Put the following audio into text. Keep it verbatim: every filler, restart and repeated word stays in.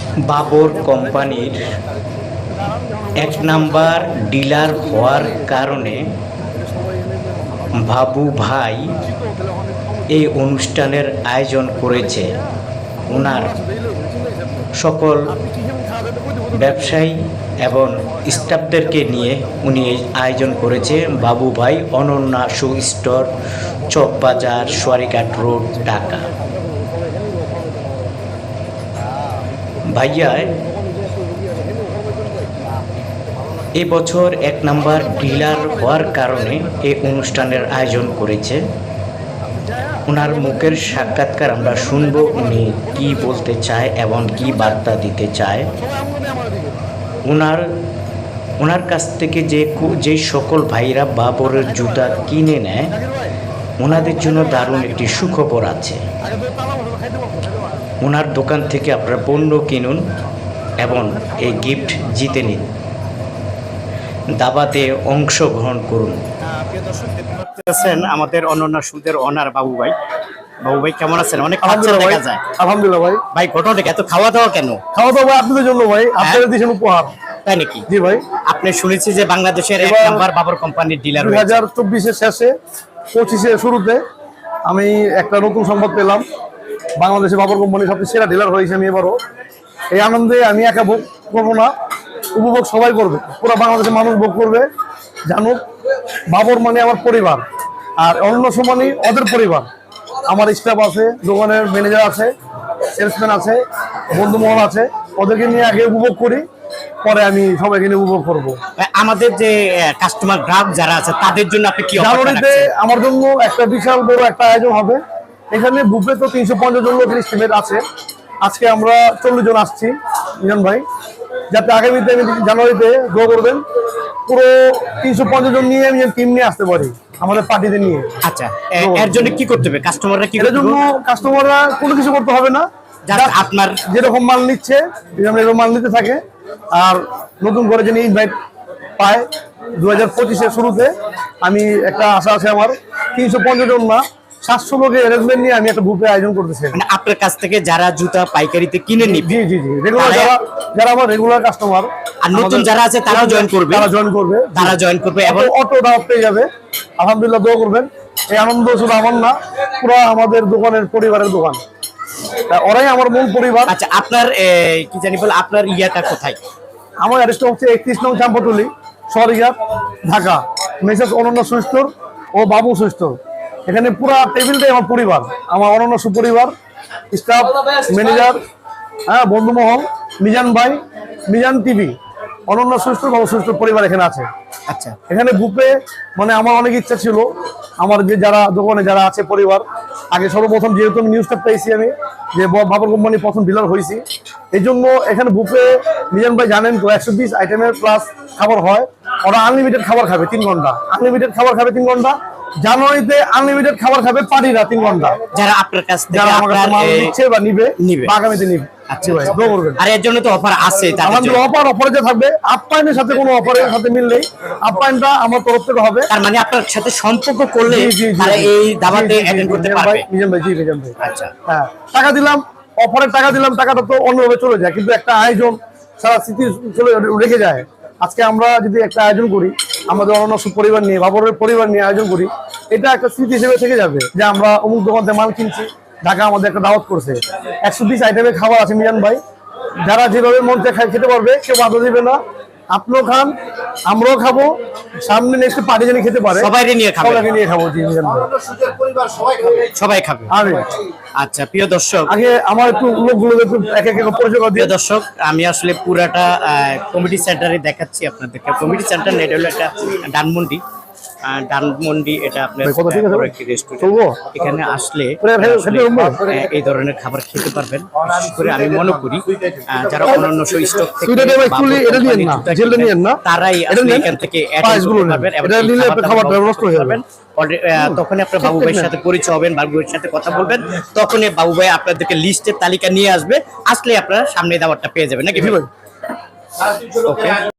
বাবর কোম্পানির এক number dealer হওয়ার কারণে বাবু ভাই এই অনুষ্ঠানের আয়োজন করেছে। ওনার সকল ব্যবসায়ী এবং স্টাফদেরকে নিয়ে উনি এই আয়োজন করেছে। বাবু ভাই Ananya shoe store, Chawkbazar, Soarighat road, Dhaka. ভাইয়া এবছর এক নাম্বার ডিলার হওয়ার কারণে এই অনুষ্ঠানের আয়োজন করেছে। ওনার মুখের সাক্ষাৎকার আমরা শুনবো, উনি কি বলতে চায় এবং কি বার্তা দিতে চায়। ওনার ওনার কাছ থেকে যে যে সকল ভাইরা বাবরের জুতা কিনে নেয় ওনাদের জন্য দারুণ একটি সুখবর আছে। ওনার দোকান থেকে আপনারা পণ্য কিনুন এবং এই গিফট জিতে নিন, দাবাতে অংশগ্রহণ করুন। আমাদের অনন্য সুদের অনার বাবু ভাই। বাবু ভাই কেমন আছেন? অনেক দেখা যায়। আলহামদুলিল্লাহ ভাই। ভাই ঘটনাটা এত খাওয়া দাওয়া কেন? খাওয়া দাওয়া আপনাদের জন্য ভাই, আপনাদের দিয়েছেন উপহার। তাই নাকি? জি ভাই। আপনি শুনেছি যে বাংলাদেশের এক নাম্বার বাবর কোম্পানির ডিলার দুই হাজার চব্বিশের শেষে পঁচিশের শুরুতে আমি একটা নতুন সংবাদ পেলাম, বাংলাদেশে বাবর কোম্পানি সবচেয়ে সেরা ডিলার হয়েছে। আমি এবারও এই আনন্দে আমি একা ভোগ করবো না, উপভোগ সবাই করবে, পুরো বাংলাদেশের মানুষ ভোগ করবে। জানুক বাবর মানে আমার পরিবার, আর অন্য সমানই ওদের পরিবার। আমার স্টাফ আছে, দোকানের ম্যানেজার আছে, সেলসম্যান আছে, বন্ধুমহল আছে, ওদেরকে নিয়ে আগে উপভোগ করি, পরে আমি সবাইকে নিয়ে উপভোগ করবো। আমাদের যে কাস্টমার গ্রাহক যারা আছে তাদের জন্য আপনি কি জানুয়ারিতে আমার জন্য একটা বিশাল বড় একটা আয়োজন হবে। এখানে বুফে তো তিনশো পঞ্চাশ জন লোকের এস্টিমেট আছে। আজকে আমরা চল্লিশ জন আসছি মিজান ভাই, যাতে আগামীতে আমি জানুয়ারিতে দোয়া করবেন পুরো তিনশো পঞ্চাশ জন নিয়ে আমি টিম নিয়ে আসতে পারি আমাদের পার্টিতে নিয়ে। আচ্ছা, এর জন্য কি করতে হবে? কাস্টমাররা কি এর জন্য কাস্টমাররা কোনো কিছু করতে হবে না, আপনার যেরকম মাল নিচ্ছে এরকম মাল নিতে থাকে। আর নতুন করে যিনি ইনভাইট পায় দু হাজার পঁচিশের শুরুতে, আমি একটা আশা আছে আমার, তিনশো পঞ্চাশ জন না সাতশো লোকের অ্যারেঞ্জমেন্ট নিয়ে আমি একটা বুফে আয়োজন করতেছি। মানে আপনার কাছ থেকে যারা জুতা পাইকারিতে কিনে নিবে, জি জি জি রেগুলার যারা যারা আমার রেগুলার কাস্টমার, আর নতুন যারা আছে তারাও জয়েন করবে, তারা জয়েন করবে তারা জয়েন করবে এবং অটো দাওয়াত পেয়ে যাবে। আলহামদুলিল্লাহ, দোয়া করবেন। এই আনন্দ শুধু আমার না, পুরো আমাদের দোকানের পরিবারের দোকান, ওরাই আমার মূল পরিবার। আচ্ছা, আপনার কি জানি বলে আপনার ইয়াটা কোথায়? আমার অ্যাড্রেস হচ্ছে একত্রিশ নং চাম্পাটুলি, সোয়ারিঘাট, ঢাকা। মেসেজ অনন্য শু স্টোর ও বাবু শু স্টোর। এখানে পুরো টেবিলটাই আমার পরিবার, আমার অনন্য সুপরিবার, স্টাফ, ম্যানেজার, হ্যাঁ, বন্ধুমহল, মিজান ভাই, মিজান টিভি, অনন্য শু স্টোর, বাবু শু স্টোর পরিবার এখানে আছে। আচ্ছা, এখানে বুফে মানে আমার অনেক ইচ্ছা ছিল, আমার যে যারা দোকানে যারা আছে পরিবার, আগে সর্বপ্রথম যেহেতু আমি নিউজটা পেয়েছি আমি যে বাবর কোম্পানি প্রথম ডিলার হয়েছি, এই জন্য এখানে বুফে মিজান ভাই জানেন তো একশো বিশ আইটেমের প্লাস খাবার হয়। ওরা আনলিমিটেড খাবার খাবে তিন ঘন্টা, আনলিমিটেড খাবার খাবে তিন ঘন্টা। জানুয়ারিতে আনলিমিটেড খাবার খাবে পার্টিরা তিন ঘন্টা, যারা আপনার কাছ থেকে যারা আমার কাছে মাল নিচ্ছে বা নিবে নিবে আগামীতে নিবে। আচ্ছা ভাই, দোয়া করবেন। আর এর জন্য তো অফার আছে, আমাদের অফার অফারে যে থাকবে, আপ্যায়নের সাথে কোনো অফারের সাথে মিললেই আপ্যায়নটা আমার তরফ থেকে হবে। তার মানে আপনার সাথে সম্পর্ক করলে তারা এই দাওয়াতে অ্যাটেন্ড করতে পারবে। মিজান ভাই, জি মিজান ভাই। আচ্ছা, হ্যাঁ, টাকা দিলাম, অফারের টাকা দিলাম, টাকাটা তো অন্যভাবে চলে যায়, কিন্তু একটা আয়োজন সারা স্মৃতি চলে রেখে যায়। আজকে আমরা যদি একটা আয়োজন করি আমাদের অনন্য পরিবার নিয়ে, বাবরের পরিবার নিয়ে আয়োজন করি, এটা একটা স্মৃতি হিসেবে থেকে যাবে যে আমরা অমুক দোকান থেকে মাল কিনছি, ঢাকা আমাদের একটা দাওয়াত করছে। একশো বিশ আইটেমের খাবার আছে মিজান ভাই, যারা যেভাবে মন থেকে খেতে পারবে, কেউ বাধা দিবে না। আপনিও খান, আমরাও খাবো, সামনে নেক্সট পার্টি জানি খেতে পারে, সবাই নিয়ে খাবো, সবাইকে নিয়ে খাবো। জি মিজান ভাই, সবাই খাবে। আচ্ছা, প্রিয় দর্শক, আগে আমার একটু লোকগুলো একটু এক এক পরিচয় করে দিয়ে। দর্শক, আমি আসলে পুরাটা কমিটি সেন্টারে দেখাচ্ছি আপনাদেরকে। কমিটি সেন্টার নেট হলো একটা ধানমন্ডি, ধানমন্ডি এটা আপনার একটি রেস্টুরেন্ট। এখানে আসলে এই ধরনের খাবার খেতে পারবেন। বিশেষ করে আমি মনে করি যারা অন্যান্য স্টক থেকে তারাই এখান থেকে তখনই আপনার বাবু ভাইয়ের সাথে পরিচয় হবেন, বাবু ভাইয়ের সাথে কথা বলবেন, তখনই বাবু ভাই আপনাদেরকে লিস্টের তালিকা নিয়ে আসবে। আসলে আপনারা সামনে দাওয়াতটা পেয়ে যাবেন নাকি? ওকে।